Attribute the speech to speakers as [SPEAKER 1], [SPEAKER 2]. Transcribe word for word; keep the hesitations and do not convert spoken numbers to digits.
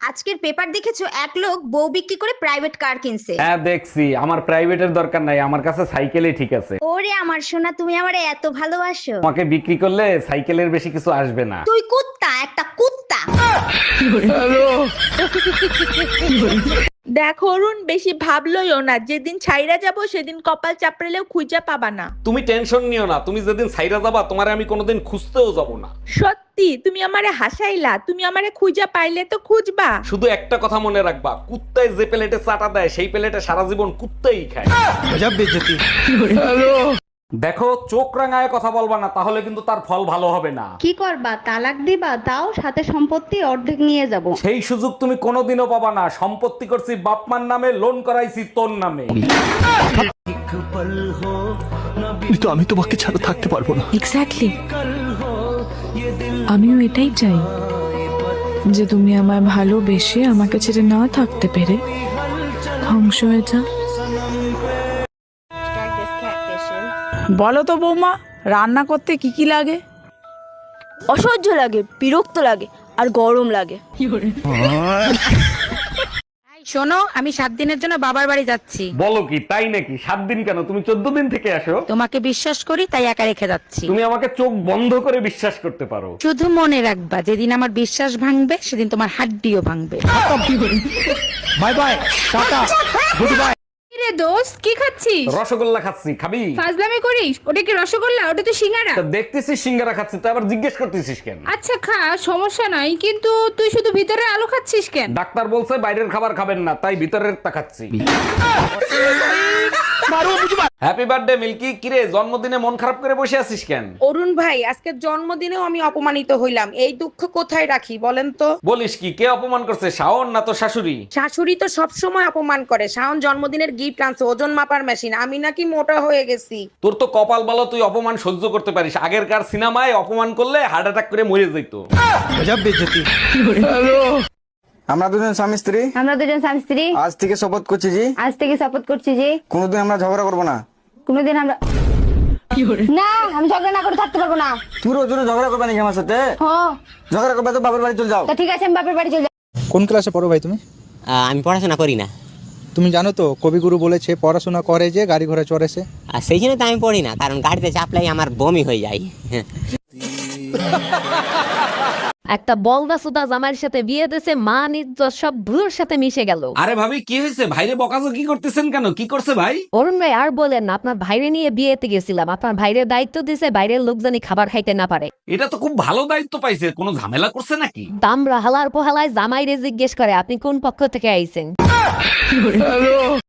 [SPEAKER 1] আজকের পেপার দেখেছো, এক লোক বউ বিক্রি করে প্রাইভেট কার কিনছে।
[SPEAKER 2] হ্যাঁ দেখছি, আমার প্রাইভেটের দরকার নাই, আমার কাছে সাইকেলই ঠিক আছে।
[SPEAKER 1] ওরে আমার সোনা, তুমি আমারে এত ভালোবাসো।
[SPEAKER 2] তোমাকে বিক্রি করলে সাইকেলের বেশি কিছু আসবে না।
[SPEAKER 1] তুই কুত্তা, একটা কুত্তা।
[SPEAKER 3] দেখো অরুণ, বেশি ভাবলইও না, যেদিন ছাইরা যাব সেদিন কপাল চাপড়েলেও খুঁজে পাবা না।
[SPEAKER 2] তুমি টেনশন নিও না, তুমি যেদিন সাইরা যাবা তোমারে আমি কোনোদিন খুঁজতেও যাব না।
[SPEAKER 3] সত্যি তুমি আমারে হাসাইলা, তুমি আমারে খুঁজা পাইলে তো খুঁজবা।
[SPEAKER 2] শুধু একটা কথা মনে রাখবা, কুত্তায় যে প্লেটে চাটা দেয় সেই প্লেটে সারা জীবন কুত্তাই খায়। দেখো, চোখ রাঙায় কথা বলবা না, তাহলে কিন্তু তার ফল ভালো হবে না।
[SPEAKER 4] কি করবা, তালাক দিবা? তাও সাথে সম্পত্তি অর্ধেক নিয়ে যাব।
[SPEAKER 2] সেই সুযোগ তুমি কোনোদিনও পাবা না। সম্পত্তি করছি বাপমার নামে, লোন করাইছি তোর নামে।
[SPEAKER 5] কিন্তু আমি তোমাকে ছাড়া থাকতে পারবো না।
[SPEAKER 6] এক্স্যাক্টলি, আমিও এটাই চাই, যে তুমি আমায় ভালোবেসে আমাকে ছেড়ে না থাকতে পেরে ধ্বংস হয়ে যা।
[SPEAKER 7] বলো তো বৌমা, রান্না করতে কি কি লাগে?
[SPEAKER 8] অসহ্য লাগে, বিরক্ত লাগে, আর গরম লাগে।
[SPEAKER 7] শোনো, আমি সাত দিনের জন্য বাবার বাড়ি যাচ্ছি।
[SPEAKER 2] বলো কি, তাই নাকি? সাত দিন কেন, তুমি চোদ্দ দিন থেকে আসো।
[SPEAKER 7] তোমাকে বিশ্বাস করি তাই একা রেখে যাচ্ছি।
[SPEAKER 2] তুমি আমাকে চোখ বন্ধ করে বিশ্বাস করতে পারো।
[SPEAKER 7] শুধু মনে রাখবা, যেদিন আমার বিশ্বাস ভাঙবে সেদিন তোমার হাড্ডিও ভাঙবে।
[SPEAKER 5] Bye bye, tata, good bye.
[SPEAKER 9] রে দোস্ত, কি খাচ্ছিস?
[SPEAKER 2] রসগোল্লা খাচ্ছি, খাবি?
[SPEAKER 9] ফাজলামি করিস? ওটা কি রসগোল্লা? ওটা তো সিঙ্গারা।
[SPEAKER 2] তা দেখতেছিস সিঙ্গারা খাচ্ছি, তো আবার জিজ্ঞেস করতেছিস কেন?
[SPEAKER 9] আচ্ছা খা, সমস্যা নাই, কিন্তু তুই শুধু ভিতরে আলু খাচ্ছিস কেন?
[SPEAKER 2] ডাক্তার বলছে বাইরের খাবার খাবেন না, তাই ভিতরের তা খাচ্ছি। Happy birthday Milky. কিরে, জন্মদিনে মন খারাপ করে বসে আছিস কেন?
[SPEAKER 3] অরুণ ভাই, আজকের জন্মদিনেও আমি অপমানিত হইলাম, এই দুঃখ কোথায় রাখি বলেন তো?
[SPEAKER 2] বলিস কি, কে অপমান করছে? শাওন না তো শাশুড়ি?
[SPEAKER 3] শাশুড়ি তো সব সময় অপমান করে। শাওন জন্মদিনের গিফট আনছে, ওজন মাপার মেশিন, আমি নাকি মোটা হয়ে গেছি।
[SPEAKER 2] তোর তো কপাল ভালো, তুই অপমান সহ্য করতে পারিস। আগেরকার সিনেমায় অপমান করলে হার্ট অ্যাটাক করে মরে যেত।
[SPEAKER 10] আমরা দুজন স্বামী স্ত্রী
[SPEAKER 4] আমরা দুজন স্বামী স্ত্রী
[SPEAKER 10] আজ থেকে শপথ করছি জি
[SPEAKER 4] আজ থেকে শপথ করছি যে
[SPEAKER 10] কোনোদিন আমরা ঝগড়া করবো না।
[SPEAKER 4] কোনোদিন আমরা না, আমি ঝগড়া না করে থাকতে পারবো না।
[SPEAKER 10] তুমি রোজ রোজ ঝগড়া করবে নাকি আমার সাথে?
[SPEAKER 4] হ্যাঁ,
[SPEAKER 10] ঝগড়া করবে তো বাবার বাড়ি চলে যাও।
[SPEAKER 4] তা ঠিক আছে, আমি বাপের বাড়ি চলে যাবো।
[SPEAKER 5] কোন ক্লাসে পড়ো ভাই তুমি?
[SPEAKER 11] আমি পড়াশোনা করি না।
[SPEAKER 5] তুমি জানো তো কবিগুরু বলেছে পড়াশোনা করে যে গাড়ি ঘোড়া চড়েছে।
[SPEAKER 11] আর সেই জন্য তো আমি পড়ি না, কারণ গাড়িতে চাপলাই আমার বমি হয়ে যায়।
[SPEAKER 8] একটা বলদা সুদা জামাইয়ের সাথে বিয়ে দিয়েছে, মা ইজ্জত সব ভুলোর সাথে মিশে গেল।
[SPEAKER 2] আরে ভাবি, কি হয়েছে? ভাইরে বকাজো কি করতেছেন কেন? কি করছে ভাই?
[SPEAKER 8] অরুণ ভাই আর বলেন না, আপনার ভাইরে নিয়ে বিয়েতে গেছিলাম, আপনার ভাইরের দায়িত্ব দিয়েছে বাইরের লোক জানি খাবার খাইতে না পারে।
[SPEAKER 2] এটা তো খুব ভালো দায়িত্ব পাইছে, কোনো ঝামেলা করছে নাকি?
[SPEAKER 8] দামরা হালার পোহালায় জামাইরে জিজ্ঞেস করে আপনি কোন পক্ষ থেকে আইছেন।